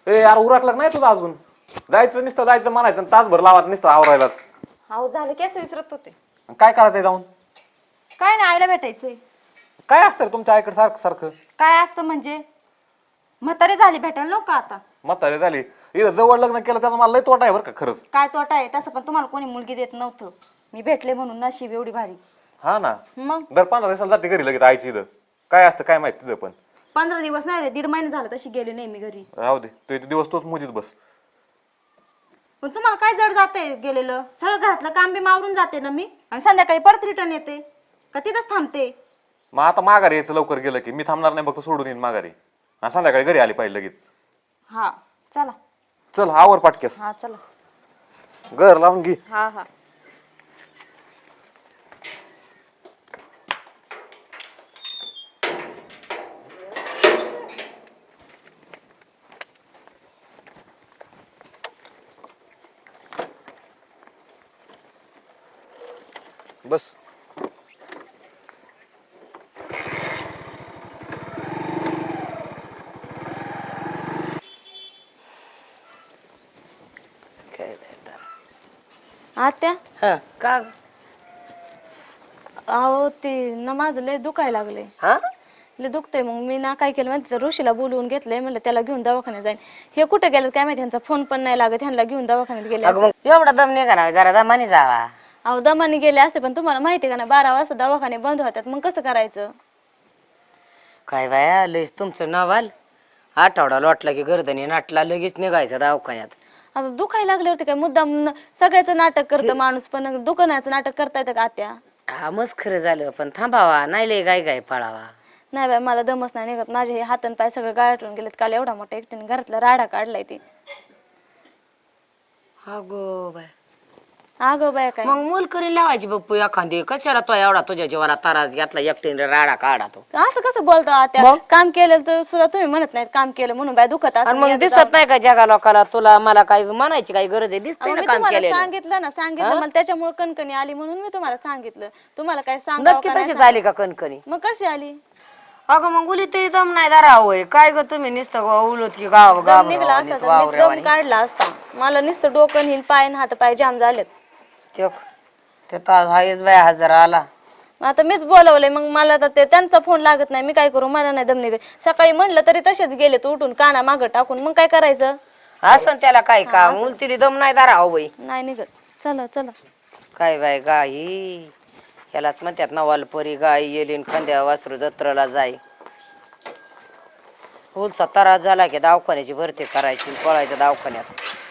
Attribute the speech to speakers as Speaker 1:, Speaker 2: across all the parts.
Speaker 1: ए यार उरकलं नाही तुझं अजून. जायचं म्हणायचं तासभर लावायचं नुसतं आवरायला.
Speaker 2: अहो झालं की असं विसरत होते.
Speaker 1: काय करायचंय जाऊन?
Speaker 2: काय नाही आईला भेटायचंय.
Speaker 1: काय असतं रे तुमच्या आईकडे सारखं सारखं?
Speaker 2: काय असतं म्हणजे म्हातारी झाली भेटायला नको आता.
Speaker 1: म्हातारी झाली इथं जवळ लग्न केलं त्याचा मला लय तोटा आहे बरं का खरंच.
Speaker 2: काय तोटा आहे तसं पण तुम्हाला कोणी मुलगी देत नव्हतं. मी भेटले म्हणून नशीब एवढी भारी.
Speaker 1: हा ना
Speaker 2: मग
Speaker 1: दर 15 दिवसाला जाते घरी लगेच आईची इथं. काय असतं काय माहिती तिथं पण.
Speaker 2: 15 दिवस नाही रे 1.5 महिने झालं तशी गेली नाही मी घरी.
Speaker 1: राहू दे तू इथे दिवस तोच मुजीत बस.
Speaker 2: पण तुम्हाला काय जड जाते गेलेलं सगळं घरातलं काम बी मावरून जाते ना मी आणि संध्याकाळी परत रिटर्न येते का तिथंच थांबते.
Speaker 1: मग आता माघारी यायचं लवकर गेलं की मी थांबणार नाही फक्त सोडून येईन माघारी आणि संध्याकाळी घरी आली पाहिजे लगेच.
Speaker 2: हा चला.
Speaker 1: चल आवर पाटकेस.
Speaker 2: हा चला.
Speaker 1: घर लावून घे.
Speaker 2: हा हा
Speaker 1: बस.
Speaker 2: आत्या
Speaker 3: हा का
Speaker 2: अहो ते ना माझं लय दुखायला लागले.
Speaker 3: हा
Speaker 2: लय दुखतंय मग मी ना काय केलं माहिती ऋषीला बोलवून घेतलंय म्हणलं त्याला घेऊन दवाखान्यात जाईन. हे कुठे गेलं काय माहिती ह्यांचा फोन पण नाही लागत ह्यांना घेऊन दवाखान्यात गेले.
Speaker 3: अगं मग एवढा दम नाही का जरा दमाने जावा.
Speaker 2: अहो दमाने गेले असते पण तुम्हाला माहिती का ना 12 वाजता दवाखाने बंद होतात मग कसं करायचं.
Speaker 3: काय बाया लयच तुमचं नवाल. आठवडा लोटला की गर्दनी नाटला लगेच निघायचं दवाखान्यात.
Speaker 2: आता दुखायला लागल्यावरती काय मुद्दाम सगळ्याचं नाटक करतं माणूस पण दुकानाचं नाटक करता येतं का आत्या.
Speaker 3: हा मस्त खरं झालं पण थांबावा नाही लय गाय गाय पळावा.
Speaker 2: नाही बाय मला दमच नाही निघत माझे हे हात आणि पाय सगळे गाळटून गेलेत काल एवढा मोठा एकटीने घरातला राडा काढलाय ती.
Speaker 3: अगो बाय
Speaker 2: अगं बाय काय
Speaker 3: मग मोलकरी लावायची बप्पू एखादी कशाला तो एवढा तुझ्या जीवाला तारास घेतला एकटीने राडा काढा तो.
Speaker 2: असं कसं बोलतो आत्या काम केलं तर सुद्धा तुम्ही म्हणत नाहीत काम केलं म्हणून बाय दुखत
Speaker 3: आणि मग दिसत नाही का जगा लोकाला तुला मला काय म्हणायची काही गरज आहे दिसतंय ना
Speaker 2: मी
Speaker 3: काम
Speaker 2: तुम्हाला
Speaker 3: केलेलं.
Speaker 2: सांगितलं ना सांगितलं मला त्याच्यामुळे कणकणी आली म्हणून मी तुम्हाला सांगितलं. तुम्हाला काय
Speaker 3: नक्की तशी
Speaker 2: सांग
Speaker 3: झाली का कणकणी.
Speaker 2: मग कशी आली.
Speaker 3: अगं मग उली तरी दम नाही दारा होय काय ग तुम्ही नुसतं उलट की गाव
Speaker 2: दम निघला असता तर मीच दम काढला असता. मला नुसतं डोकं हिन पाय हात पाय जाम झालेत.
Speaker 3: ते तर हायच बाय हजार आला.
Speaker 2: आता मीच बोलवलंय मग मला तर ते त्यांचा फोन लागत नाही मी काय करू मला नाही दम निघत. सकाळी म्हणलं तरी तसेच गेले तू उठून काना मागं टाकून मग काय करायचं.
Speaker 3: असं त्याला काय का उलतीली दम नाही दारा हो बाई.
Speaker 2: नाही निघत. चला चला
Speaker 3: काय बाय गाई यालाच म्हणतात नवालपरी गाय येलीन खांद्या वासरू जत्रेला जाय. उलचा त्रास झाला की दवाखान्याची भरती करायची पळायचं दवाखान्यात.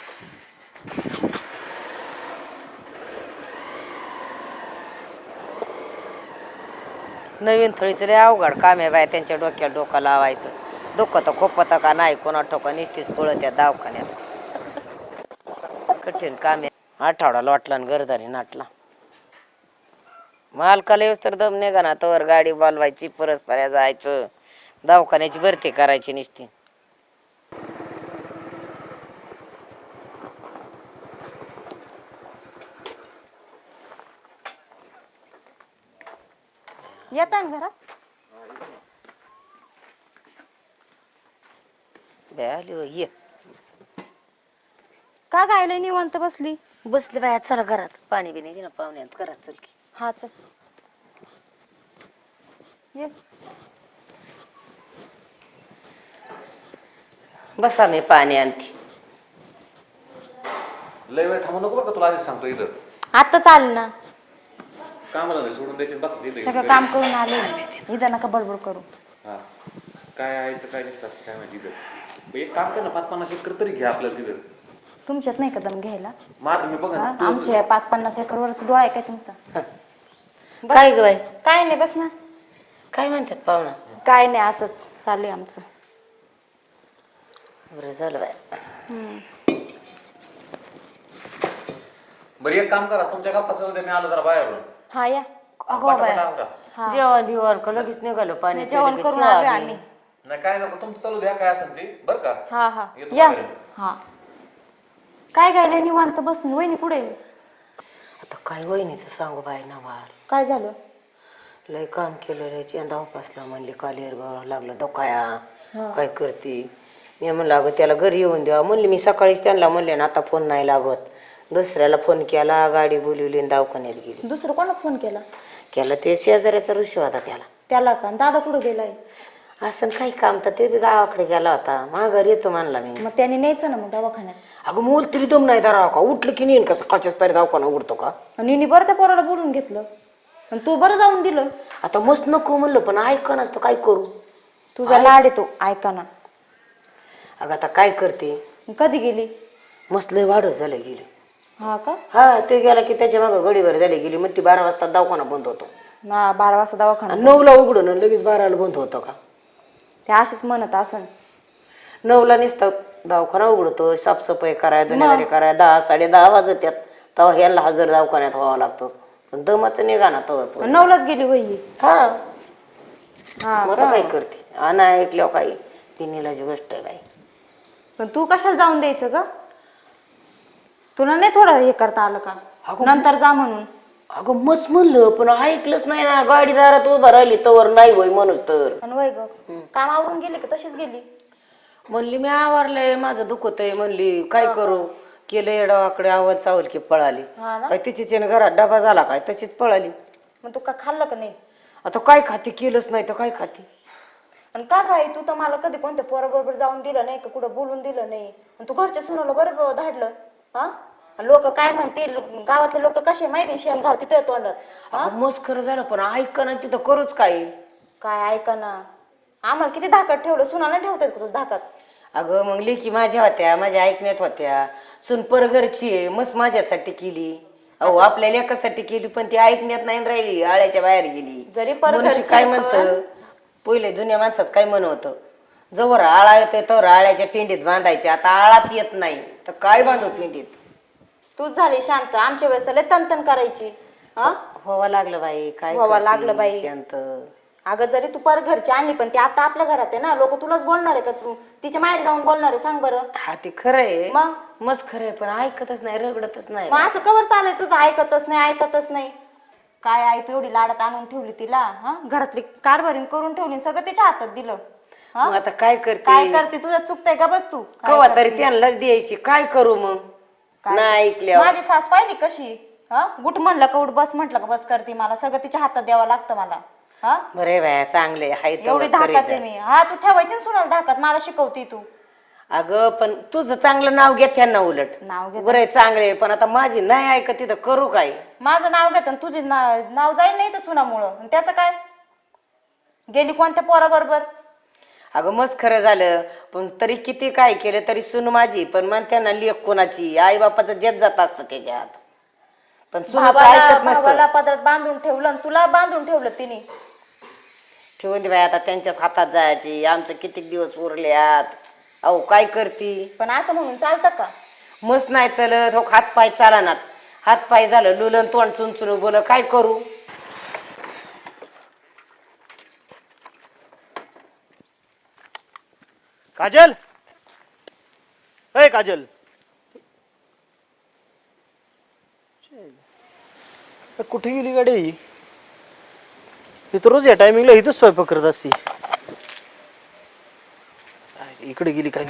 Speaker 3: नवीन थळीचं लय अवघड काम आहे बाय त्यांच्या डोक्यात डोकं लावायचं. दुखत खोपत का नाही कोणा ठोका निश्चित पळत त्या दवाखान्यात. कठीण काम आहे. आठवडा लोटला आणि गरदारी नाटला. मालकाला येऊस तर दम निघा ना तवर गाडी बोलवायची परस्पर जायचं दवाखान्याची भरती करायची नुसती.
Speaker 2: येता ना घरात.
Speaker 3: ये
Speaker 2: का गायला निवांत बसली.
Speaker 3: बसले बाया चला घरात पाणी बिणी दे ना पाहुण्यात घरात चल की.
Speaker 2: हा चल ये.
Speaker 3: बसा मी पाणी आणते.
Speaker 1: लय वेळ थांबू नको बरं का तुला आधीच सांगतो इथं.
Speaker 2: आता चाल ना
Speaker 1: कामाला नाही सोडून द्यायचे बस तिथे.
Speaker 2: सगळं काम करून आले इथं नका बडबड करू.
Speaker 1: हा काय आहे तर काय नसतं काय माहिती इथं. एक काम कर ना 5-50 एकर तरी घ्या आपल्याला तिथं.
Speaker 2: तुमच्यात नाही कदम घ्यायला.
Speaker 1: मग मी बघा ना
Speaker 2: आमच्या 5-50 एकर वरच डोळा आहे काय तुमचा.
Speaker 3: काय ग बाई
Speaker 2: काय नाही बस ना.
Speaker 3: काय म्हणतात पाहुणा.
Speaker 2: काय नाही असंच चालू आहे आमचं.
Speaker 3: बरं झालं बाय.
Speaker 1: बरं एक काम करा तुमच्या गप्पा चालू मी आलो जरा बाहेरून.
Speaker 2: हा या.
Speaker 3: जेवण बिवण का लगेच निघालो पाणी
Speaker 2: जेवण करून आलोय आम्ही.
Speaker 1: नाही काय नको तुमचं चालू द्या काय असेल ते बरं का.
Speaker 2: हा हा
Speaker 1: येतो
Speaker 2: या.
Speaker 1: बाहेर.
Speaker 2: हा काय गायला निवांत बसून वहिनी कुठे.
Speaker 3: आता काय वहिनीचं सांगू बाई नवाल.
Speaker 2: काय झालं.
Speaker 3: लय काम केलं चेंदा उपासला म्हणले कालेर लागलं दोकाया काय करते मी म्हणलं अगं त्याला घरी येऊन द्यावा म्हणली. मी सकाळीच त्यांना म्हणले ना आता फोन नाही लागत. दुसऱ्याला फोन केला, गाडी बोलवली आणि दवाखान्यात गेली.
Speaker 2: दुसरं कोणा फोन केला?
Speaker 3: केला ते शेजाऱ्याचा ऋषी होता त्याला.
Speaker 2: त्याला का? दादा कुठं गेलाय?
Speaker 3: असं काही काम तर ते बी गावाकडे गेला होता. माघारी येतो म्हणला मी.
Speaker 2: मग त्याने न्यायचं ना मग दवाखान्यात.
Speaker 3: अगं मूल तरी दम नाही धरावा का? उठलं की नेईन का सकाळच्याच पायरी दवाखाना उघडतो का?
Speaker 2: आणि बरं त्या पोराला बोलून घेतलं आणि तू बरं जाऊन दिलं.
Speaker 3: आता मस्त नको म्हणलं पण ऐक नसतं काय करू.
Speaker 2: तुझा लाड येतो ऐका ना.
Speaker 3: अगं आता काय करते.
Speaker 2: कधी गेली?
Speaker 3: मस्त लय वाढत झालं गेली.
Speaker 2: हा का?
Speaker 3: हा ते गेला की त्याच्या मागं गडीवर झाली गेली. मग ती 12 वाजता दवाखाना बंद होतो.
Speaker 2: ना 12 वाजता दवाखाना.
Speaker 3: 9ला उघडून आणि लगेच 12ला बंद होतो का?
Speaker 2: ते अशीच म्हणत असन.
Speaker 3: 9ला नुसतं दवाखाना उघडतो. साफसफाई कराय दुनियादारी कराय 10 10:30 वाजत्यात. तेव्हा ह्याला हजर दवाखान्यात व्हावं लागतं. पण दमाचं निघा ना तेव्हा.
Speaker 2: 9लाच गेली वही.
Speaker 3: हा
Speaker 2: हा
Speaker 3: मग आता काय करते. आणि ऐकल्यावर काही तिन्हीलाची गोष्ट आहे बाई.
Speaker 2: पण तू कशाला जाऊन द्यायचं ग? तुला नाही थोडं हे करता आलं का? नंतर जा म्हणून.
Speaker 3: अगं मस्त म्हणलं पण ऐकलंच नाही ना. गाडीदारात उभं राहिली तवर नाही होय म्हणून तर.
Speaker 2: आणि वय ग कामावरून गेली का तशीच गेली?
Speaker 3: म्हणली मी आवरलंय माझं दुखत आहे. म्हणली काय करू. केलं येडावाकडे आवल चावल की पळाली.
Speaker 2: हा ना.
Speaker 3: काय तिचीच घरात डबा झाला काय तशीच पळाली.
Speaker 2: मग तू का खाल्लं का नाही?
Speaker 3: आता काय खाती. केलंच नाही तर काय खाती.
Speaker 2: आणि का काय तू तर मला कधी कोणत्या पोराबरोबर जाऊन दिलं नाही का? कुठं बोलून दिलं नाही. आणि तू घरच्या सुनाला बरं धाडलं. हा लोक काय म्हणतील गावातले लोक कसे माहिती शेण घाल तिथे तोंडात.
Speaker 3: मस्त खरं झालं पण ऐक ना तिथं करूच काय.
Speaker 2: काय ऐका ना. आम्हाला किती धाकात ठेवलं. सुनाला ठेवतात का तू धाकात?
Speaker 3: अगं मग लेकी माझ्या होत्या. माझ्या ऐकण्यात होत्या. सुन परघरची आहे. मस्त माझ्यासाठी केली. अहो आपल्या लेकासाठी केली पण ती ऐकण्यात नाही राहिली. आळ्याच्या बाहेर गेली.
Speaker 2: जरी
Speaker 3: मनुष्य काय म्हणतं पहिले जुन्या माणसाच काय म्हण होतं. जवळ आळा येतोय तर आळ्याच्या पिंडीत बांधायचे. आता आळाच येत नाही तर काय बांधू पिंडीत.
Speaker 2: तूच झाली शांत. आमच्या वेळेस तर तनतन करायची. हा
Speaker 3: व्हावं लागलं बाई. काय
Speaker 2: व्हावं लागलं बाई.
Speaker 3: शांत.
Speaker 2: अगं जरी तू पर घरची आणली पण ती आता आपल्या घरात आहे ना. लोक तुलाच बोलणार आहे का? तू तिच्या माहेर जाऊन बोलणार आहे? सांग बरं.
Speaker 3: हा ते खरंय
Speaker 2: मग
Speaker 3: मस्त खरंय पण ऐकतच नाही. रगडतच नाही.
Speaker 2: मग असं कवर चालू आहे तुझं? ऐकतच नाही ऐकतच नाही. काय आई तू एवढी लाडात आणून ठेवली तिला. हा घरातली कारभारी करून ठेवली. सगळं तिच्या हातात दिलं.
Speaker 3: मग आता काय करते.
Speaker 2: काय करते? तुझं चुकतंय का? बस तू
Speaker 3: कवा तरी त्यांनाच द्यायची. काय करू मग. नाही ऐकल्या
Speaker 2: माझी सास पाहिली कशी. हा गुट म्हणलं का उठ बस म्हटलं का बस करते. मला सगळं तिच्या हातात द्यावं लागतं मला. हा
Speaker 3: बरे बाया चांगले हाय
Speaker 2: एवढी धाकात आहे मी. हा तू ठेवायची ना सुनाला धाकात. मला शिकवते तू.
Speaker 3: अगं पण तुझं चांगलं नाव घेत त्यांना उलट
Speaker 2: नाव घेत
Speaker 3: बरं चांगले पण आता माझी नाही ऐकत तिथं करू काय.
Speaker 2: माझं नाव घेत आणि तुझे नाव जाईल नाही तर सुनामुळं. त्याचं काय? गेली कोणत्या पोराबरोबर?
Speaker 3: अगं मस्त खरं झालं पण तरी किती काय केलं तरी सून माझी. पण म्हणते ना लेक कोणाची. आई बापाचं जेत जात असतं त्याच्यात. पण सुनाचं ऐकत नसतं.
Speaker 2: भावाला पदरात बांधून ठेवलं आणि तुला बांधून ठेवलं तिने.
Speaker 3: ठेवून दे बाई आता त्यांच्याच हातात जायची. आमचं किती दिवस उरल्यात. अहो काय करती.
Speaker 2: पण असं म्हणून चालतं का?
Speaker 3: मस्त नाही चलत हो. हात पाय चालनात. हात पाय झालं लुलन तोंड चुनचुन बोल काय करू.
Speaker 4: काजल अय काजल कुठे गेली गाडी ही? तर रोज या टायमिंगला इथंच स्वयंपाक करत असती. इकडे गेली काय?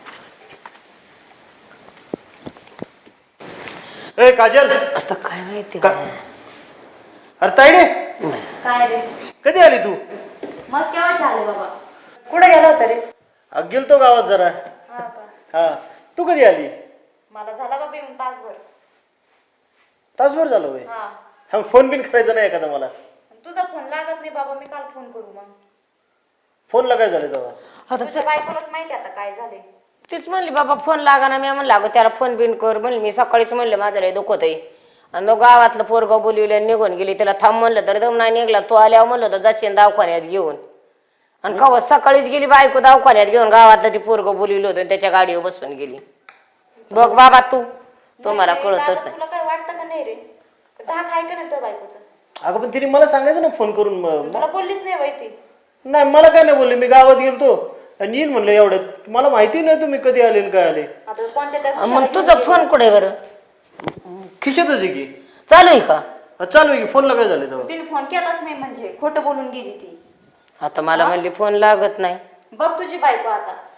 Speaker 4: ए काजल
Speaker 3: आता काय माहिती
Speaker 4: अरे ताईडे
Speaker 2: काय रे?
Speaker 4: कधी आली तू?
Speaker 2: मस्त केव्हा आले बाबा. कुठे गेला होता रे?
Speaker 4: गेलतो गावात जरा.
Speaker 2: हा का?
Speaker 4: हा तू कधी आली?
Speaker 2: मला झाला बाबा येऊन तासभर.
Speaker 4: तासभर झालं होय.
Speaker 2: हा
Speaker 4: हा फोन बिन करायचा नाही एखादा मला.
Speaker 2: तुझा फोन लागत नाही बाबा. मी काल फोन करू मग.
Speaker 4: फोनला काय झालं तेव्हा?
Speaker 2: तुझ्या बायकोलाच माहिती आता काय झाले.
Speaker 3: तीच म्हणली बाबा फोन लागा ना. मी म्हणलं अगं त्याला फोन बिन कर म्हणली. मी सकाळीच म्हणलं माझं लय दुखत आहे. आणि तो गावातलं पोरगाव बोलवले निघून गेली. त्याला थांब म्हणलं तर दम नाही निघला. तो आल्यावर म्हणलं तर जाशील दवाखान्यात घेऊन. आणि कवा सकाळीच गेली बायको दवाखान्यात घेऊन. गावातलं ती पोरगं बोलवलं होतं त्याच्या गाडीवर बसून गेली. बघ बाबा तू मला कळतच नाही.
Speaker 2: तुला काय वाटतं का नाही रे? धाक आहे का नाही तुझ्या बायकोचं?
Speaker 4: अगं पण तिने मला सांगायचं ना फोन करून.
Speaker 2: तुला बोललीच नाही बाई ती.
Speaker 4: नाही मला काय नाही बोलले. मी गावात गेलतो आणि येईन म्हणलं एवढ्यात. मला माहिती नाही तुम्ही कधी आले आणि काय आले.
Speaker 2: आता कोणत्या त्या
Speaker 3: मग तुझा फोन कुठे बरं?
Speaker 4: खिशातच आहे की.
Speaker 3: चालू आहे का?
Speaker 4: चालू आहे की. फोनला काय झालं तेव्हा?
Speaker 2: तिने फोन केलाच नाही म्हणजे खोटं बोलून गेली ती.
Speaker 3: आता मला म्हणली फोन लागत नाही.
Speaker 2: बघ तुझी बायको आता.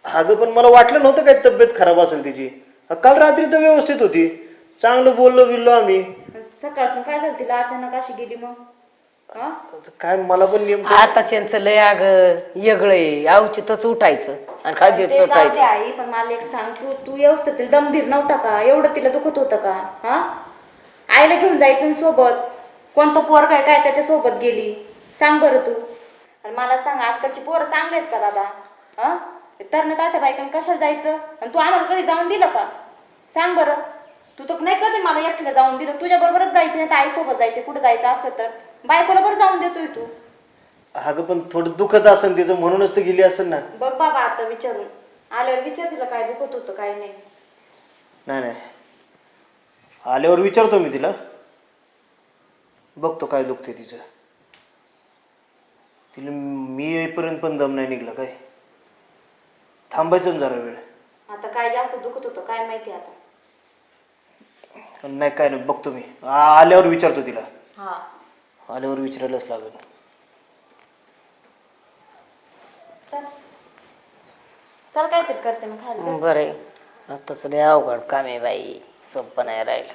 Speaker 4: अगं पण मला वाटलं नव्हतं काय तब्येत खराब असेल तिची. काल रात्री तर व्यवस्थित होती, चांगलं बोललो बिललो आम्ही.
Speaker 2: सकाळतून काय झालं तिला अचानक अशी गेली मग? हा?
Speaker 4: काय मला पण नेमकं
Speaker 3: आता त्यांचं लय अग वेगळं अवचितच उठायचं आणि खाजीच
Speaker 2: ते जाऊ दे
Speaker 3: सुटायचं.
Speaker 2: आई, पण मला एक सांग, तू व्यवस्थित तिला दमधीर नव्हता का? एवढं तिला दुखत होतं का? हा, आईला घेऊन जायचं ना सोबत. कोणतं पोर काय काय त्याच्या सोबत गेली सांग बरं तू. आणि मला सांग, आजकालची पोरं चांगले आहेत का दादा? हा, तरण्यात आठ्या बायकांना कशाला जायचं? आणि तू आम्हाला कधी जाऊन दिलं का? सांग बरं. तू तर नाही कधी मला एकटीला जाऊन दिलं. तुझ्या बरोबरच जायची, नाही तर आई सोबत जायचे. कुठं जायचं असलं तर बायकोला बरं जाऊन देतोय तू.
Speaker 4: अगं पण थोडं दुखत असेल तिचं म्हणूनच तर गेली असेल ना.
Speaker 2: बघ बाबा, आता विचारून आल्यावर विचार तिला काय दुखत होतं काय नाही.
Speaker 4: नाही नाही, आल्यावर विचारतो मी तिला, बघतो काय दुखते तिचं. तिला मी येईपर्यंत पण दम नाही निघला काय. थांबायचं ना जरा वेळ.
Speaker 2: आता काय जास्त दुखत होतं काय माहिती आता.
Speaker 4: नाही काय नाही, बघतो मी. आल्यावर विचारतो तिला.
Speaker 2: हा,
Speaker 4: आल्यावर विचारायलाच लागेल.
Speaker 2: चल चल, काहीतरी करते मग खायला.
Speaker 3: बरं आहे. आताच लय अवघड काम आहे बाई, सोपं नाही राहिलं.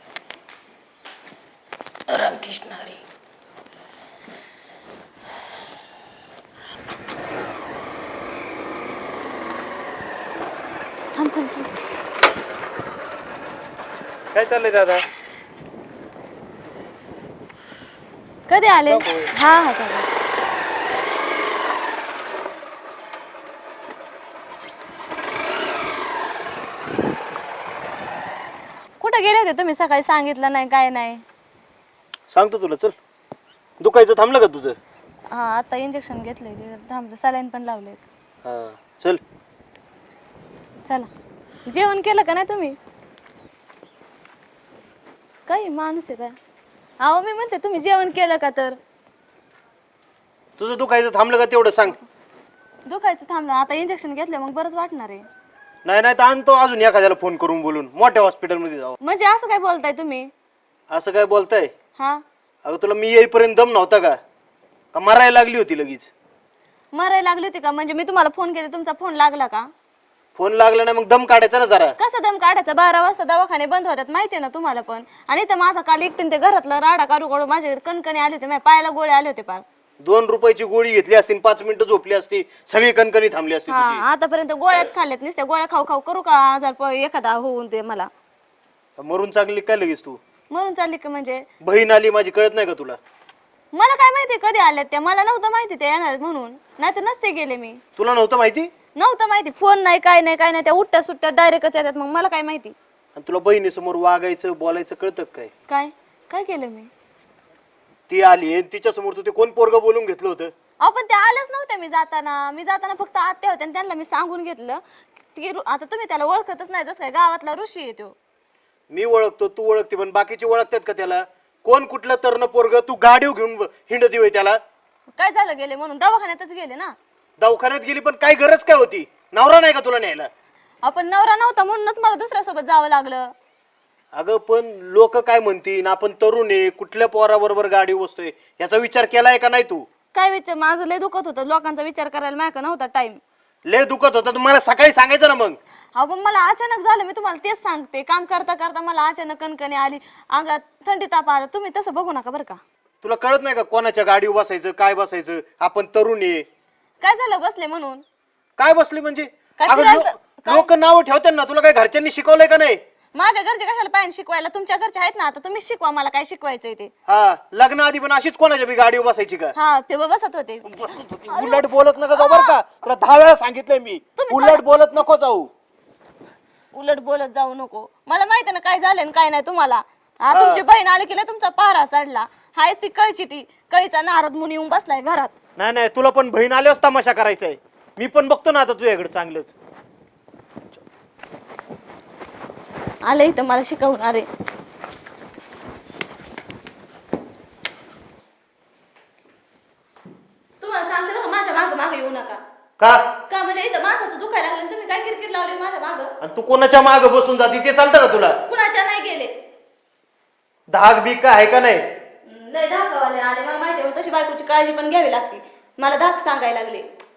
Speaker 3: रामकृष्ण हरी.
Speaker 2: थांब थांब थांब.
Speaker 1: काय चाललंय दादा?
Speaker 2: कधी आले? हा हा चालेल. कुठं गेले होते तुम्ही? सकाळी सांगितलं नाही काय नाही.
Speaker 4: सांगतो तुला, चल. दुखायचं थांबलं का तुझं?
Speaker 2: हा, आता इंजेक्शन घेतलंय, थांबलं, सलाईन पण लावले.
Speaker 4: हा चल.
Speaker 2: चला. जेवण केलं का नाही तुम्ही? काही माणूस आहे का? अहो मी म्हणते तुम्ही जेवण केलं का? तर
Speaker 4: तुझं दुखायचं थांबलं का तेवढं सांग.
Speaker 2: दुखायचं थांबलं, आता इंजेक्शन घेतलं मग बरंच वाटणार आहे.
Speaker 4: नाही नाही तर आणतो अजून एखाद्याला फोन करून बोलून, मोठ्या हॉस्पिटलमध्ये जाऊ.
Speaker 2: म्हणजे असं काय बोलताय तुम्ही?
Speaker 4: असं काय बोलताय?
Speaker 2: हा,
Speaker 4: अगं तुला मी येईपर्यंत दम नव्हता का? का मरायला लागली होती लगेच?
Speaker 2: मरायला लागली होती का? म्हणजे मी तुम्हाला फोन केले, तुमचा फोन लागला का?
Speaker 4: फोन लागला नाही मग दम काढायचा ना जरा.
Speaker 2: कसं दम काढायचा? 12 वाजता दवाखाने बंद होतात माहितीये ना तुम्हाला पण. आणि तर माझा काल एकटीन ते घरातलं राडा काढू काढू माझे कणकणी आले होते, माझ्या पायाला गोळे आले होते पार.
Speaker 4: 2 रुपयाची गोळी घेतली असती, 5 मिनिटं झोपली असती, सगळी कणकणी थांबली असती तुझी.
Speaker 2: हा, आतापर्यंत गोळ्याच खाल्ल्यात, नुसत्या गोळ्या खाऊ खाऊ करू का आजार एखादा होऊन ते मला.
Speaker 4: मरून चांगली काय लगेच तू?
Speaker 2: मरून चालली का? म्हणजे
Speaker 4: बहीण आली माझी, कळत नाही का तुला?
Speaker 2: मला काय माहिती कधी आल्यात त्या? मला नव्हतं माहिती ते येणार म्हणून, नाही तर नसते गेले मी.
Speaker 4: तुला नव्हतं माहिती?
Speaker 2: नव्हतं माहिती. फोन नाही काय नाही काय नाही, त्या उठ्या सुट्ट्या डायरेक्टच येतात, मग मला काय माहिती.
Speaker 4: आणि तुला बहिणीसमोर वागायचं बोलायचं कळतं का काय?
Speaker 2: काय काय केलं मी?
Speaker 4: ती आली तिच्या समोर तू ते कोण पोरग बोलून घेतलं होतं?
Speaker 2: अहो पण ते आलेच नव्हते. मी जाताना फक्त आत्या होत्या आणि त्यांना मी सांगून घेतलं की आता तुम्ही त्याला ओळखतच नाही, जसं काय गावातला ऋषी आहे तो.
Speaker 4: मी ओळखतो, तू ओळखते, पण बाकीचे ओळखतात का त्याला? कोण कुठलं तरुण पोरग? तू गाडीव घेऊन हिंडती होय त्याला?
Speaker 2: काय झालं गेले म्हणून? दवाखान्यातच गेले ना.
Speaker 4: दवाखान्यात गेली पण काय गरज काय होती? नवरा नाही का तुला न्यायला?
Speaker 2: आपण नवरा नव्हता म्हणूनच मला दुसऱ्यासोबत जावं लागलं.
Speaker 4: अगं पण लोक काय म्हणतील, आपण तरुण आहे, कुठल्या पोराबरोबर गाडी बसतोय याचा विचार केलाय का नाही तू?
Speaker 2: काय विचार? माझं लय दुखत होतं, लोकांचा विचार करायला माझ्या नव्हता टाइम.
Speaker 4: लय दुखत होता, तुम्हाला सकाळी सांगायचं ना मग.
Speaker 2: अहो पण मला अचानक झालं, मी तुम्हाला तेच सांगते. काम करता करता मला अचानक कणकणी आली, अंगात थंडी ताप आला. तुम्ही तसं बघू नका बरं का.
Speaker 4: तुला कळत नाही का कोणाच्या गाडीवर बसायचं, काय बसायचं? आपण तरुण आहे.
Speaker 2: काय झालं बसले म्हणून?
Speaker 4: काय बसले म्हणजे?
Speaker 2: काय
Speaker 4: अगं
Speaker 2: फिरायला-
Speaker 4: लोक नाव ठेवतात ना, तुला काय घरच्यांनी शिकवलंय का नाही?
Speaker 2: माझ्या घरचे कशाला पाहिजे शिकवायला? तुमच्या घरचे आहेत ना, आता तुम्ही शिकवा मला काय शिकवायचंय ते.
Speaker 4: हा, लग्न आधी पण अशीच कोणाच्या बी गाडीवर बसायची का?
Speaker 2: हा, ते बसत होते.
Speaker 4: उलट बोलत नका जाऊ बरं का, तुला 10 वेळा सांगितलंय मी. उलट बोलत नको जाऊ.
Speaker 2: उलट बोलत जाऊ नको. मला माहिती ना काय झालं काय नाही तुम्हाला. हा, तुमची बहीण आली की तुमचा पारा चढला. हाय ती कळची कळीचा नारद मुनी येऊन बसलाय घरात.
Speaker 4: नाही नाही, तुला पण बहीण आल्यावर तमाशा करायचाय. मी पण बघतो ना आता तुझ्याकडे चांगलंच.
Speaker 2: आले इथं मला शिकवून. अरे तुम्हाला सांगते ना, माझ्या मागं मागं येऊ नका.
Speaker 4: का?
Speaker 2: का म्हणजे इथं माणसाचं दुखायला लागलं, तुम्ही काय किरकिर लावली माझ्या मागं?
Speaker 4: आणि तू कोणाच्या माग बसून जाती ते चालतं का तुला?
Speaker 2: कुणाच्या नाही गेले.
Speaker 4: धाक बीक का आहे का नाही?
Speaker 2: लय धाकावाले आले, मला माहिती आहे. तशी बायकोची काळजी पण घ्यावी लागते. मला धाक सांगायला लागले.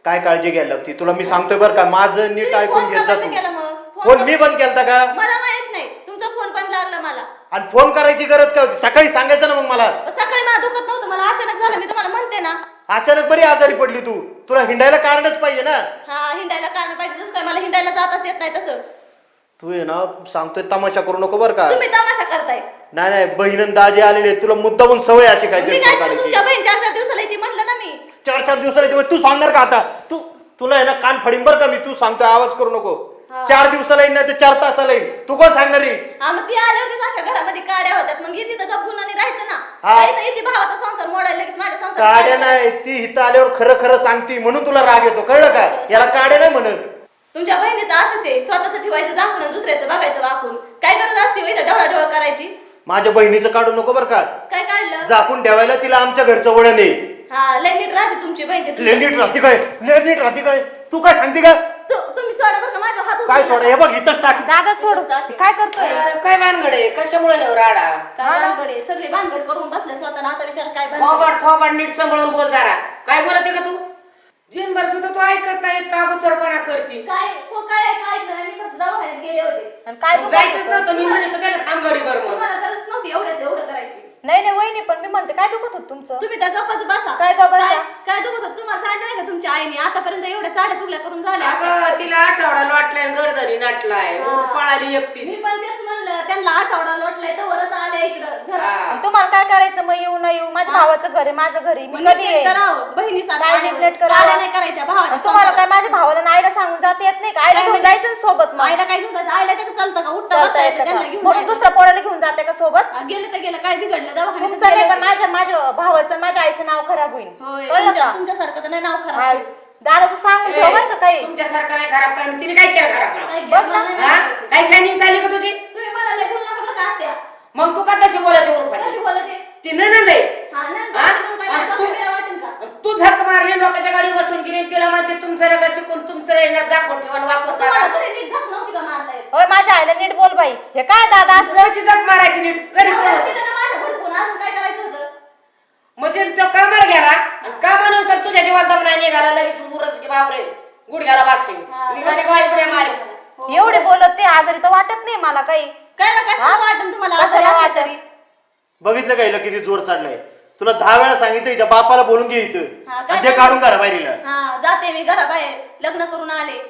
Speaker 4: काय काळजी घ्यायला लागती तुला मी सांगतोय बरं का माझं नीट
Speaker 2: तुम्ही
Speaker 4: ऐकून
Speaker 2: फोन
Speaker 4: घेत
Speaker 2: का
Speaker 4: जा
Speaker 2: बंद
Speaker 4: तू
Speaker 2: केला मग?
Speaker 4: फोन मी बंद केलता का
Speaker 2: मला माहित नाही तुमचा फोन बंद लागला मला.
Speaker 4: आणि फोन करायची गरज काय होती सकाळी सांगायचं ना मग मला
Speaker 2: सकाळी मला दुखत नव्हतं, मला अचानक झालं, मी तुम्हाला म्हणते ना.
Speaker 4: अचानक बरी आजारी पडली तू तुला हिंडायला कारणच पाहिजे ना
Speaker 2: हा हिंडायला कारण पाहिजे, जसं काय मला हिंडायला जाताच येत नाही तसं.
Speaker 4: तू आहे ना सांगतोय तमाशा करू नको बरं का
Speaker 2: तुम्ही तमाशा करताय.
Speaker 4: नाही नाही बहीण दाजी आलेले तुला मुद्दामून सवय अशी
Speaker 2: मी
Speaker 4: काहीतरी
Speaker 2: काय करू,
Speaker 4: काढायची
Speaker 2: तुमच्या बहीण 4-4 दिवसाला येते म्हणलं ना मी.
Speaker 4: 4-4 दिवसाला येते, तू सांगणार का आता तुला आहे ना कान फडीन बरं का मी तू सांगतोय आवाज करू नको.
Speaker 2: हा.
Speaker 4: 4 दिवसाला येईन नाही तर 4 तासाला येईन तू कोण सांगणार आहे?
Speaker 2: हा मग ती आल्यावरतीच अशा घरामध्ये काड्या होत्यात, मग येते तर गप्पून आणि राहायचं ना.
Speaker 4: हा.
Speaker 2: काही तर येते भावाचा संसार मोडायला लगेच माझ्या संसार.
Speaker 4: काड्या नाही ती इथं आल्यावर खरं खरं सांगती म्हणून तुला राग येतो कळलं का याला काड्या नाही म्हणत.
Speaker 2: तुमच्या बहिणीचं असंच आहे, स्वतःच ठेवायचं झाकून आणि दुसऱ्याचं बघायचं वाकून. काय गरज असते हो इथं ढवळाढवळ करायची?
Speaker 4: माझ्या बहिणीचं काढू नको बरं का
Speaker 2: काय काढलं?
Speaker 4: झाकून ठेवायला तिला आमच्या घरचं वळण आहे.
Speaker 2: हा लय नीट राहते तुमची बहीण ते तुमच्या-
Speaker 4: नीट राहते काय नीट राहते काय तू काय सांगते का
Speaker 2: तुम्ही सोडा बरं का माझ्या हात
Speaker 4: काय सोडा हे बघ इथंच टाक
Speaker 2: दादा सोड काय करतोय?
Speaker 3: काय भानगड आहे कशामुळे हे राडा
Speaker 2: काय भानगड आहे? सगळी भानगड करून बसले स्वतःला, आता विचार काय भानगड?
Speaker 3: थोबाड नीट सांभाळून बोल जरा काय बोलते का तू जिनभर सुद्धा तू ऐकत नाही का गुचरपणा करती
Speaker 2: काय काय ऐकलं नाही, मी फक्त दवाखान्यात गेले होते.
Speaker 5: आणि काय
Speaker 3: जायचंच नव्हतं मी म्हणत त्याला थांब गडीभर मग
Speaker 2: तुम्हाला गरज नव्हती एवढं करायची.
Speaker 5: नाही वहिनी पण मी म्हणते काय दुखत होत तुमचं
Speaker 2: तुम्ही त्या गप्पाच बसा.
Speaker 5: काय गप्प बसा?
Speaker 2: काय दुखत होतं? तुम्हाला सांगितलं नाही का तुमच्या आईने आतापर्यंत एवढ्या चाड्या चुकल्या करून झाल्या असत्या?
Speaker 3: अगं तिला आठवडा लोटलाय गरदरी नाटलाय
Speaker 2: हा.
Speaker 3: पळाली
Speaker 2: मी
Speaker 3: एकटीच
Speaker 2: पण तेच म्हणलं, त्यांना आठवडा लोटलाय तर वरच आले इकडं घरात.
Speaker 3: हा.
Speaker 5: आणि तुम्हाला काय करायचं मग येऊ न येऊ माझ्या भावाचं घर आहे माझं घर आहे मी
Speaker 2: मग
Speaker 5: कधी
Speaker 2: नीट
Speaker 5: येईन
Speaker 2: करावं बहिणीसारखं
Speaker 5: काय
Speaker 2: आल्यावर.
Speaker 5: नीट करावं?
Speaker 2: काड्या नाही करायच्या भावाच्या
Speaker 5: आणि तुम्हाला
Speaker 2: संसारात.
Speaker 5: काय माझ्या भावाला आणि आईला सांगून जाता येत नाही का आईला
Speaker 2: काय
Speaker 5: घेऊन
Speaker 2: म्हणजे?
Speaker 5: जायचं ना सोबत मग
Speaker 2: आईला काय घेऊन जायचं? आईला त्याचं चालतं का? उठता
Speaker 5: चालता
Speaker 2: बसता
Speaker 5: येतं
Speaker 2: येतं त्यांना
Speaker 5: का?
Speaker 2: घेऊन
Speaker 5: म्हणून
Speaker 2: जायचं.
Speaker 5: दुसऱ्या पोराला घेऊन जाते का सोबत
Speaker 2: गेलं तर गेलं, काय बिघडलं? दवाखान्यात
Speaker 5: तुमचं नाही
Speaker 2: गेले
Speaker 5: पण माझ्या भावाचं आणि माझ्या आईचं नाव खराब होईल
Speaker 2: होय,
Speaker 5: कळलं का
Speaker 2: तुमच्यासारखं तर नाही नाव
Speaker 5: हा.
Speaker 2: खराब.
Speaker 5: दादा तू सांगून ठेव बरं का काही
Speaker 3: तुमच्यासारखं नाही खराब कारण तिने काय केलं खराब
Speaker 2: काय
Speaker 5: बघ ना.
Speaker 2: मला नाही
Speaker 3: हा
Speaker 2: माहिती.
Speaker 3: काय शायनिंग चालली का तुझी
Speaker 2: तुम्ही मला लय बोलू नका बरं का आत्या.
Speaker 3: मग तू का तशी बोलायची उरफाटी
Speaker 2: कशी बोलते?
Speaker 3: ती नणंद आहे
Speaker 2: हा, नंतर
Speaker 3: हा?
Speaker 2: तुम्हाला काय
Speaker 3: आणि
Speaker 2: माझा
Speaker 3: तू-
Speaker 2: कॅमेरा वाटेल का?
Speaker 3: तू झक मारली लोकांच्या गाडी बसून गेली तिला म्हणते तुमचं रगा शिकून तुमचं रेणं दाखवून ठेवा वापर
Speaker 2: तुम्हाला तरी नीट झक नव्हती का मारता येत?
Speaker 5: होय माझ्या आईला नीट बोल बाई हे काय दादा असलं
Speaker 3: कशी झक मारायची नीट गरीब कोण होतं?
Speaker 2: तिथं ना माझ्या भडकून अजून काय करायचं होतं?
Speaker 3: म्हणजे तो कामाला गेला आणि कामानुसार तुझ्या जीवात दम नाही निघाला लगेच उरत की बापरे गुडघ्याला बागशिंग
Speaker 2: हा,
Speaker 3: निघाली बाई गुड्या मारे
Speaker 2: हो.
Speaker 5: एवढे बोलत ते आजारी तर वाटत नाही मला काही
Speaker 2: कळलं कशाला
Speaker 5: हा?
Speaker 2: वाटन तुम्हाला
Speaker 5: कशाला
Speaker 2: असं
Speaker 5: वाटन?
Speaker 2: तरी?
Speaker 4: बघितलं का हिला किती जोर चढलाय तुला 10 वेळा सांगितलं हिच्या बापाला बोलून घे इथं
Speaker 2: हा, काय
Speaker 4: आणि ते काढून करा बाहेरीला
Speaker 2: हा जाते मी घराबाहेर, लग्न करून आले.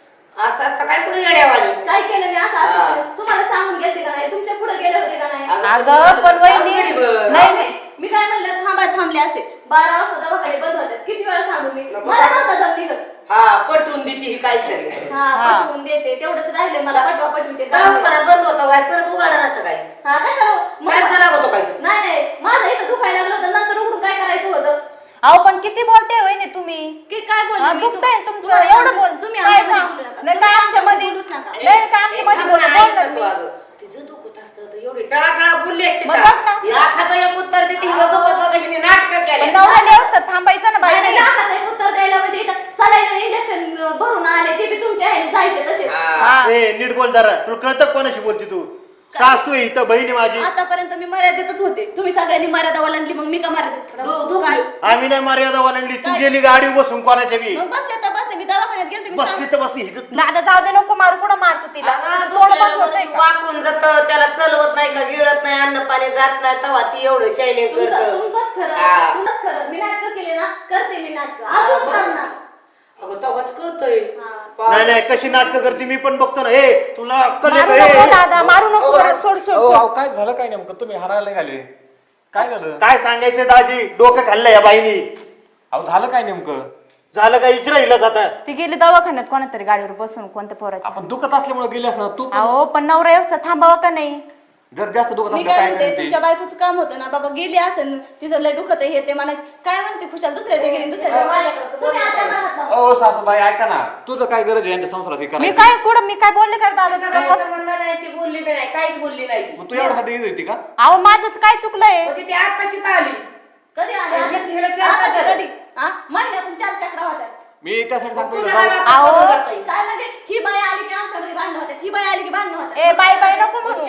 Speaker 3: असं असतं काय पुढे येड्यावाली
Speaker 2: काय केलं मी असं
Speaker 3: हा.
Speaker 2: असं केलं? तुम्हाला सांगून गेलते का नाही? तुमच्या पुढे गेले होते का नाही?
Speaker 5: अगं पण वहिनी
Speaker 2: नाही नाही मी काय म्हणलं थांबले असते. 12 वाजता दवाखाने बंद होते. किती वेळा सांगू मी?
Speaker 3: नको
Speaker 2: मला
Speaker 3: सांगू.
Speaker 2: नव्हता जम निघत.
Speaker 3: हा पटवून देते ही काय तरी
Speaker 2: हा
Speaker 5: हा.
Speaker 2: पटवून देते तेवढंच राहिले मला पटवा पटवीचे
Speaker 3: दवाखाना बंद होता वाय परत उघडा नसतं काय
Speaker 2: हा कशाला
Speaker 3: काय लागत होतो काय
Speaker 2: नाही नाही माझं इथं दुखायला लागलं होतं नंतर उघडून काय करायचं होतं?
Speaker 5: अहो पण किती बोलते वहिनी तुम्ही
Speaker 2: की काय बोलले
Speaker 5: हा,
Speaker 2: मी?
Speaker 5: दुखतंय तुमचं
Speaker 2: तुम्हाला
Speaker 5: एवढं
Speaker 2: सांगते,
Speaker 5: बोल
Speaker 2: तुम्ही
Speaker 5: काय
Speaker 2: आमच्यामध्ये
Speaker 5: सांग?
Speaker 2: बोलू नका.
Speaker 5: नाही
Speaker 2: तुम्ही
Speaker 5: काय आमच्या मध्ये
Speaker 2: बोलूच नका.
Speaker 5: नाही काय आमच्या मध्ये बोलणार मी
Speaker 3: तिचं दुखत असतं तर एवढी टळाटळा बोलली असते
Speaker 5: मग
Speaker 3: का?
Speaker 5: बघ ना.
Speaker 3: लाखाचं एक उत्तर देते हिचं दुखत नव्हतं हिने नाटकं
Speaker 5: पण
Speaker 3: केली
Speaker 5: नवऱ्याला व्यवस्थित थांबायचं ना
Speaker 2: नाही, नाही,
Speaker 5: बाई
Speaker 2: लाखाचं एक उत्तर द्यायला म्हणजे इथं सलाईन इंजेक्शन भरून आले ते बी तुमच्या ह्याने जायचे तसे.
Speaker 5: हा.
Speaker 4: ए नीट बोल जरा तुला कळतं कोणाशी बोलती तू सासू आहे इथं बहिणी माझी
Speaker 2: आतापर्यंत मी मर्यादेतच होते. तुम्ही सगळ्यांनी मर्यादा ओलांडली मग मी का मर्यादेत? काय?
Speaker 4: आम्ही नाही मर्यादा ओलांडली तू
Speaker 2: काय?
Speaker 4: गेली गाडी बसून कोणाच्या बी
Speaker 2: मग बसले तर बसले मी दवाखान्यात गेलते मी
Speaker 4: बसली तर बसली हिचं
Speaker 5: दादा जाऊ दे नको मारू कुठं मारतो तिला
Speaker 3: अगं,
Speaker 5: तोंड
Speaker 3: दुसऱ्याला
Speaker 5: बंद होतंय
Speaker 3: मनुष्य
Speaker 5: का?
Speaker 3: वाकून जात त्याला चलवत नाही का गिळत नाही अन्न पाणी जात नाही तेव्हा ती एवढं शायनिंग करत
Speaker 2: तुमचंच खरं
Speaker 3: हा.
Speaker 2: तुमचंच खरं. मी नाटकं केले ना करते मी नाटकं अजून करणार.
Speaker 3: अगं तेव्हाच कळतोय
Speaker 2: हा.
Speaker 4: नाही नाही कशी नाटकं करते मी पण बघतो ना ए तुला अक्कल
Speaker 5: मारू
Speaker 4: आहे
Speaker 5: नको
Speaker 4: का?
Speaker 5: दादा मारू नको बरं, सोड सोड
Speaker 1: अहो,
Speaker 5: सोड.
Speaker 1: अहो, काय झालं काय नेमकं तुम्ही हरायला निघाले काय झालं
Speaker 4: काय सांगायचं दाजी डोकं खाल्लं या बाईनी
Speaker 1: अहो झालं काय नेमकं
Speaker 4: झालं का इचरा हिला जाता
Speaker 5: ती गेली दवाखान्यात कोणातरी गाडीवर बसून कोणत्या पोराची
Speaker 1: आपण दुखत असल्यामुळे गेले असं तू पण
Speaker 5: अहो पण नवरा व्यवस्थित थांबावा का नाही
Speaker 1: जर जास्त दुखत
Speaker 2: मी
Speaker 1: असलं
Speaker 2: काय
Speaker 1: काय
Speaker 2: म्हणते
Speaker 1: करते
Speaker 2: तुमच्या बायकोचं काम होतं ना बाबा गेली असेल तिचं लय दुखत आहे हे ते म्हणायचे काय म्हणते खुशाल दुसऱ्याच्या गेली दुसऱ्याच्या तुम्ही आता म्हणत ना.
Speaker 1: ओ सासूबाई ऐका ना तुझं काय गरज आहे यांच्या संसारात हे
Speaker 5: मी
Speaker 1: करायची?
Speaker 5: काय कुठं मी काय बोलले का दादा
Speaker 3: तिचा
Speaker 5: तुला?
Speaker 3: काही संबंध नाही ती बोलली बी नाही काहीच बोलली नाही ती
Speaker 1: मग तू एवढ्यासाठी येत होती का
Speaker 5: अहो माझंच काय चुकलंय
Speaker 3: म्हणजे ती आत्ताशी आली
Speaker 2: कधी आले
Speaker 3: आणि
Speaker 2: आताशी-
Speaker 3: हिला चार
Speaker 2: आताशी
Speaker 3: तास
Speaker 2: कधी हा महिन्यातून 4 चक्रा होत्या.
Speaker 1: मी त्यासाठी सांगतो
Speaker 3: तुझ्या
Speaker 1: जाऊ.
Speaker 3: नावात
Speaker 5: अहो.
Speaker 3: बोलून जातोय.
Speaker 2: काय म्हणजे ही बाई आली की आमच्यामध्ये भांडणं होते ही बाई आली की भांडणं होते
Speaker 5: ए बाय बाय नको म्हणू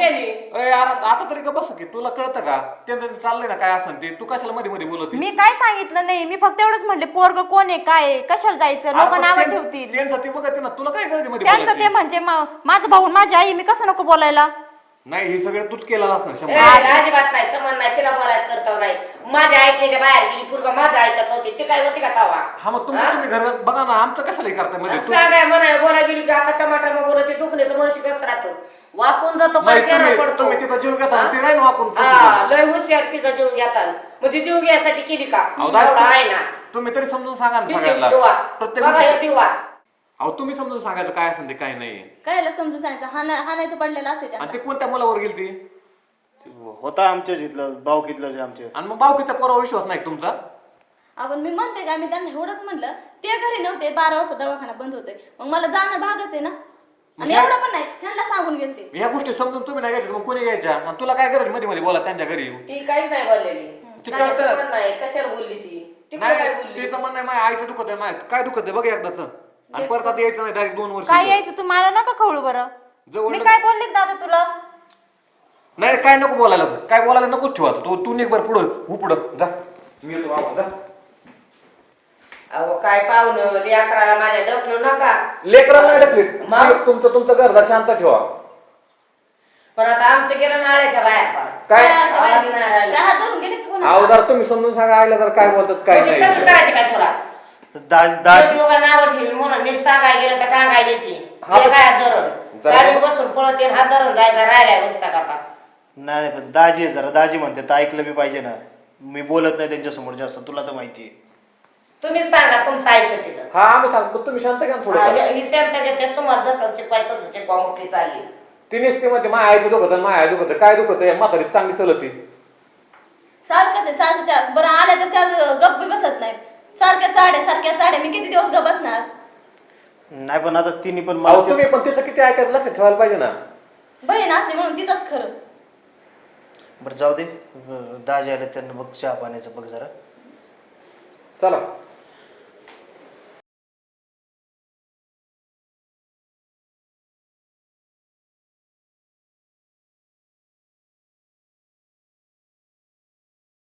Speaker 3: शेणी
Speaker 1: आता तरी का बस की तुला कळतं का त्यांचं जे चाललंय ना काय असं ते तू कशाला मध्ये मध्ये बोलत
Speaker 5: मी काय सांगितलं नाही, मी फक्त एवढंच म्हणले पोरग कोण आहे काय आहे, कशाला जायचं, लोक नावं ठेवतील.
Speaker 1: त्यांचं ते बघते ना तुला काय गरज आहे मध्ये
Speaker 5: त्यांचं
Speaker 1: बोलायची?
Speaker 5: ते म्हणजे माझं भाऊ आणि माझी आई, मी कसं नको बोलायला.
Speaker 1: नाही हे सगळं तूच केलेलं असणार
Speaker 3: ए,
Speaker 1: शंभर.
Speaker 3: अजिबात नाही समान नाही तिला बोलायचं करतो नाही माझ्या ऐकण्याच्या बाहेर गेली पूर्व माझं ऐकत होती ते काय होती का तवा
Speaker 1: हा मग तुम्ही घरात बघा ना आमचं कशाला हे करताय मध्ये तू
Speaker 3: सांगाय म्हणा बोला गेली की आता टमाटर मग बोलत दुखणे तर मनुष्य कसं राहतो वाकून जातो
Speaker 1: नाही,
Speaker 3: पण चेहरा
Speaker 1: तुम्ही
Speaker 3: पडतो
Speaker 1: तुम्ही तिचा जीव घेता ना, ती नाही ना आपण
Speaker 3: हा लय हुशार तिचा जीव घेतात म्हणजे जीव घ्यायसाठी केली का
Speaker 1: दादा,
Speaker 3: एवढा आहे ना
Speaker 1: तुम्ही तरी समजून सांगा ना
Speaker 3: किती
Speaker 1: सगळ्यांना
Speaker 3: दिवा
Speaker 1: प्रत्येक
Speaker 3: बघा हे
Speaker 1: गोष्टी-
Speaker 3: दिवा
Speaker 1: अहो तुम्ही समजून सांगायचं काय असेल ते काय नाही
Speaker 2: कायला समजून सांगायचं, हाणायचं पडलेलं असते
Speaker 1: आणि
Speaker 2: त्यांना.
Speaker 1: ते कोणत्या मुलावर गेली ती
Speaker 4: होता आमच्याच इथलं भाऊकीतलं जे आमचे.
Speaker 1: आणि मग बावकीच्या पोरावर विश्वास नाही का तुमचा
Speaker 2: आपण मी म्हणते का मी त्यांना एवढंच म्हणलं, ते घरी नव्हते, 12 वाजता दवाखाना बंद होते, मग मला जाणं भागच आहे ना. आणि एवढं पण नाही, त्यांना सांगून गेलते.
Speaker 1: ह्या गोष्टी समजून तुम्ही नाही घ्यायच्या मग कोणी घ्यायच्या आणि तुला काय गरज मध्ये मध्ये बोला त्यांच्या घरी येऊ
Speaker 3: ती काहीच नाही बोललेली
Speaker 1: ती
Speaker 3: काही
Speaker 1: कळतं.
Speaker 3: संबंध नाही कशाला बोलली ती काय
Speaker 1: नाही
Speaker 3: बोलली
Speaker 1: तिचं म्हणणं आहे माझ्या आईचं दुखत आहे माझ्या काय दुखत आहे बघ एकदाच आणि परत आता यायचं नाही डायरेक्ट 2 वर्ष
Speaker 5: काय यायचं तू मला नका खवळू बरं.
Speaker 1: जवळ
Speaker 5: मी काय बोलले दादा तुला?
Speaker 1: नाही काय नको बोलायला काय बोलायला नकोच ठेवा तू निघ बरं पुढं हो पुढं जा मी येतो बाबा जा
Speaker 3: अहो काय पाहुणं लेकराला माझ्या डोकलो नका
Speaker 1: लेकराला नाही टाकले
Speaker 3: मग?
Speaker 1: तुमचं घरदार शांत ठेवा
Speaker 3: पण आता आमचं गेलं नाळ्याच्या बाहेर पण
Speaker 1: काय
Speaker 3: आवाज नाही राहिला.
Speaker 2: काय हात धरून गेले का कोणाला?
Speaker 1: अवधार तुम्ही समजून सांगा आयला तर काय बोलतात काय
Speaker 3: म्हणजे कसं
Speaker 1: नाही
Speaker 3: करायचं काय तुला
Speaker 4: दाजी
Speaker 3: लोक नावं ठेवी म्हणून नीट सांगायला गेलं तर टांगायला ती
Speaker 1: हा, पण-
Speaker 3: काय धरून
Speaker 1: जरा-
Speaker 3: गाडी बसून पळत येईन हात धरून जायचा राहिलाय उलसा का
Speaker 4: नाही पण दाजी आहे जरा दाजी म्हणते तर ऐकलं बी पाहिजे ना. मी बोलत नाही त्यांच्यासमोर जास्त, तुला तर माहिती आहे.
Speaker 3: तुम्हीच सांगा तुमचं ऐकत तिथं
Speaker 1: हा आम्ही सांगतो तुम्ही शांत घ्या ना थोडं
Speaker 3: ही शांत घेते तुम्हाला जसं शिकवाय तसं शिकवा मोकळी चालली
Speaker 1: तिनेच ते मध्ये माझ्या आईचं दुखत माझ्या आई दुखत काय दुखत म्हातारी चांगली चलती
Speaker 2: सारखंच आहे, सारखं चार बरं आल्या तर चार गप्प बी बसत नाहीत. सारख्या चाड्या मी किती दिवस गप बसणार.
Speaker 4: नाही पण आता तिने पण
Speaker 1: अहो
Speaker 4: मला
Speaker 1: तुम्ही पण तिचं किती ऐकायचं लक्षात ठेवायला पाहिजे ना
Speaker 2: बहीण असली म्हणून तिथंच खरं.
Speaker 4: बरं जाऊ दे. दाजी आले त्यांना बघ चहा पाण्याचं बघ जरा.
Speaker 1: चला